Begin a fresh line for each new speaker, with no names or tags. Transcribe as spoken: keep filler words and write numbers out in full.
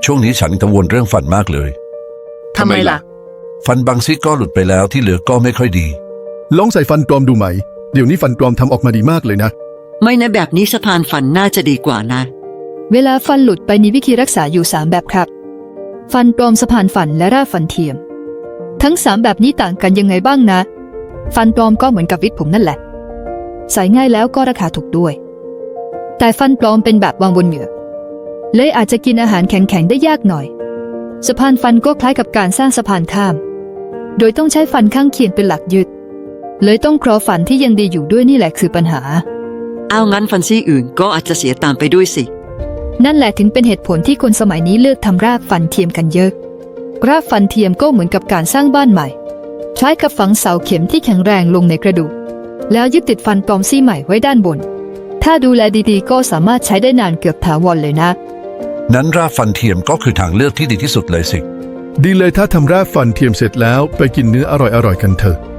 ช่วงนี้ฉันกังวลเรื่องฟันมากเลย
ทำไมล่ะ
ฟันบางซี่ก็หลุดไปแล้วที่เหลือก็ไม่ค่อยดี
ลองใส่ฟันปลอมดูไหมเดี๋ยวนี้ฟันปลอมทำออกมาดีมากเลยนะ
ไม่นะแบบนี้สะพานฟันน่าจะดีกว่านะ
เวลาฟันหลุดไปมีวิธีรักษาอยู่สามแบบครับ ฟันปลอมสะพานฟันและรากฟันเทียม ทั้งสามแบบนี้ต่างกันยังไงบ้างนะ ฟันปลอมก็เหมือนกับวิกผมนั่นแหละ ใส่ง่ายแล้วก็ราคาถูกด้วย แต่ฟันปลอมเป็นแบบวางบนเหงือกเลยอาจจะกินอาหารแข็งๆได้ยากหน่อย สะพานฟันก็คล้ายกับการสร้างสะพานข้าม โดยต้องใช้ฟันข้างเคียงเป็นหลักยึดเลยต้องเคราะห์ฟันที่ยังดีอยู่ด้วยนี่แหละคือปัญหา
เอางั้นฟันซี่อื่นก็อาจจะเสียตามไปด้วยสิ
นั่นแหละถึงเป็นเหตุผลที่คนสมัยนี้เลือกทำรากฟันเทียมกันเยอะ รากฟันเทียมก็เหมือนกับการสร้างบ้านใหม่คล้ายกับฝังเสาเข็มที่แข็งแรงลงในกระดูกแล้วยึดติดฟันปลอมซี่ใหม่ไว้ด้านบน ถ้าดูแลดีๆก็สามารถใช้ได้นานเกือบถาวรเลยนะ
นั้นรากฟันเทียมก็คือทางเลือกที่ดีที่สุดเลยสิ
ดีเลยถ้าทำรากฟันเทียมเสร็จแล้วไปกินเนื้ออร่อยๆกันเถอะ